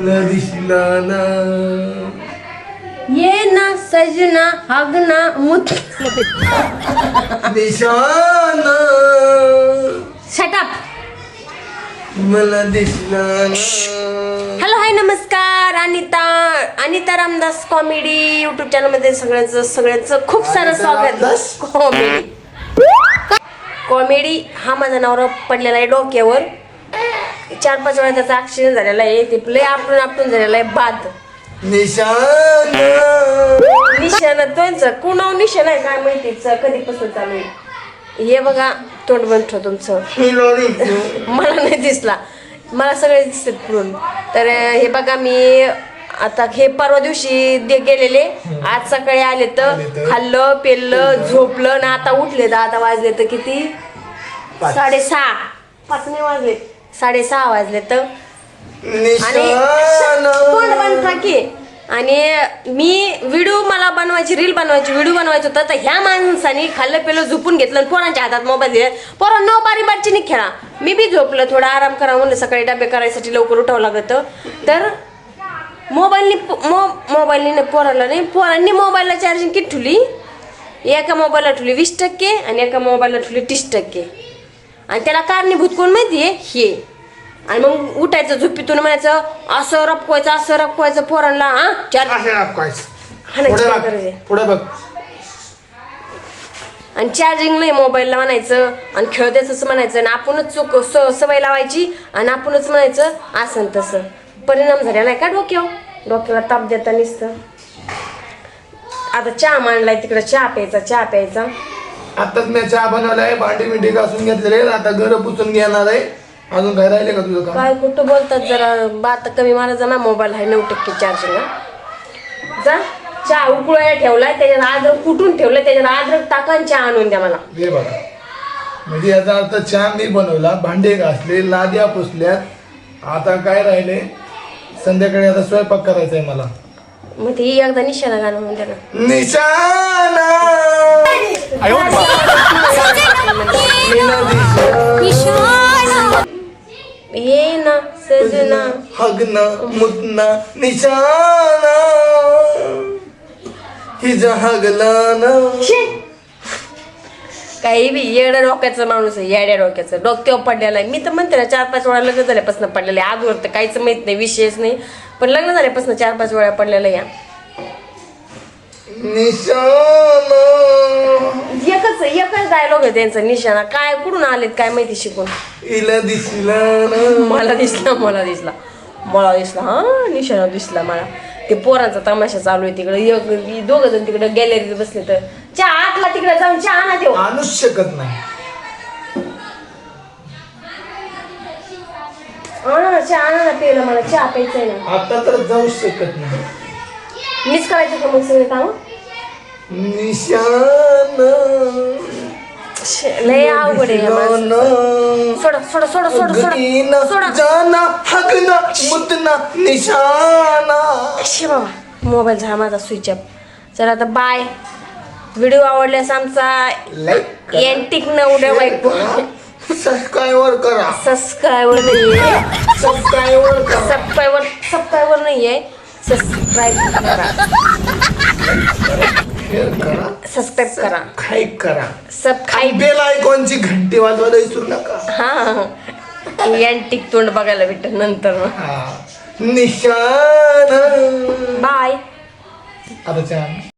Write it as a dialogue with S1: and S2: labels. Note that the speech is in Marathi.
S1: दिसला ना
S2: ये ना सजना हगना मुत
S1: निशाना
S2: शट अप.
S1: मला दिसला ना.
S2: हॅलो हाय नमस्कार. Anita Ramdas comedy YouTube channel मध्ये सगळ्यांचं खूप सारं स्वागत. कॉमेडी हा माझा नवरा पडलेला आहे डोक्यावर. 4-5 वेळा त्याचा ऍक्सिडेंट झालेला आहे. ते लय आपटून झालेला आहे. बाद निशाणा तोंच कुणाव निशाण आहे काय माहितीच कधीपासून चालू आहे. हे बघा तोंड बंद तुमचं. मला नाही दिसला, मला सगळे दिसतात पुढून. तर हे बघा मी आता हे परवा दिवशी गेलेले, आज सकाळी आले तर खाल्लं पेललं झोपलं ना आता उठले तर आता वाजले तर किती 6:30. 5 नाही वाजले 6:30 वाजले तर. आणि मी मला बनवायची रील बनवायची व्हिडिओ बनवायचं होतं तर ह्या माणसाने खाल्लं पेलं झोपून घेतलं आणि पोरांच्या हातात मोबाईल दिले. पोरांना बारी बारची नाही खेळा. मी बी झोपलं थोडा आराम करा म्हणलं, सकाळी डबे करायसाठी लवकर उठावं लागत. तर मोबाईलने पोरांनी मोबाईलला चार्जिंग किती ठेवली. एका मोबाईलला ठेवली 20% आणि एका मोबाईलला ठेवली 30%. आणि त्याला कारणीभूत कोण माहितीये हे. आणि मग उठायचं झोपीतून म्हणायचं असं रपवायचं पोरांना. आणि चार्जिंग नाही मोबाईलला म्हणायचं आणि खेळतेच म्हणायचं आणि आपणच सवय लावायची आणि आपणच म्हणायचं असं तसं. परिणाम झालेला आहे का डोक्याला ताप देता नुसतं. आता चहा मांडलाय तिकडे, चहा प्यायचा.
S1: आताच मी चहा बनवलाय, भांडी मिठी घासून घेतलेले, आता घर पुसून घेणार आहे. अजून काय राहिले का तुझं काम?
S2: काय कुठं बोलतात, जरा बात कमी मारा. जा मोबाईल आहे 9% चार्जिंग. जा चहा उकळायला ठेवलाय, त्याच्यात अद्रक कुठून ठेवलंय, त्याच्यात अद्रक टाका आणि चहा आणून द्या मला.
S1: हे बघा म्हणजे याचा अर्थ चहा मी बनवला, भांडे घासले, लाद्या पुसल्यात. आता काय राहिले, संध्याकाळी आता स्वयंपाक करायचा आहे मला.
S2: मग ती एकदा निशाणा गाणं म्हणते ना.
S1: निशाणा
S2: ये ना सजना
S1: हगना मुतना निशाना हिजा हगला ना.
S2: काही बी येड्या डोक्याचं माणूस आहे, येड्या डोक्याचं. डोक्यावर पडलेला आहे. मी तर म्हणते ना 4-5 वेळा लग्न झाल्यापासून पडलेलं आहे. आजवर तर काहीच माहित नाही, विषयच नाही. पण लग्न झाल्यापासून 4-5 वेळा पडलेलं या
S1: निशाना.
S2: एकच डायलॉग आहे त्यांचा निशाणा. काय कुठून आलेत काय माहिती शिकून.
S1: इला दिसला
S2: मला दिसला हा निशाणा दिसला मला. ते पोरांचा तमाशा चालू आहे तिकडे. 2 जण तिकडे गॅलरीत बसले तर चहा आतला तिकडे जाऊन चहा आणा देऊ.
S1: आणूच शकत नाही.
S2: चहा आणा ना प्यायला, मला चहा प्यायचंय ना.
S1: आता तर जाऊ शकत नाही.
S2: मीच करायचं का मग सगळे काम.
S1: निशाना
S2: लय अवघड आहे. सोडा
S1: जाना हगना मुतना निशाना.
S2: बाबा मोबाईल झाला माझा स्विच ऑफ. चला आता बाय. व्हिडिओ आवडल्यास आमचा एंटिक न उड्या बाईक
S1: सबस्क्राईबर करा.
S2: सबस्क्राईबर नाहीये, सबस्क्राईब करा. सबस्क्राईब
S1: बेल आयकॉनची घंटी वाजवायला विसरू नका.
S2: हा एंटिक तोंड बघायला भेटत नंतर.
S1: निशाना
S2: बाय.
S1: आता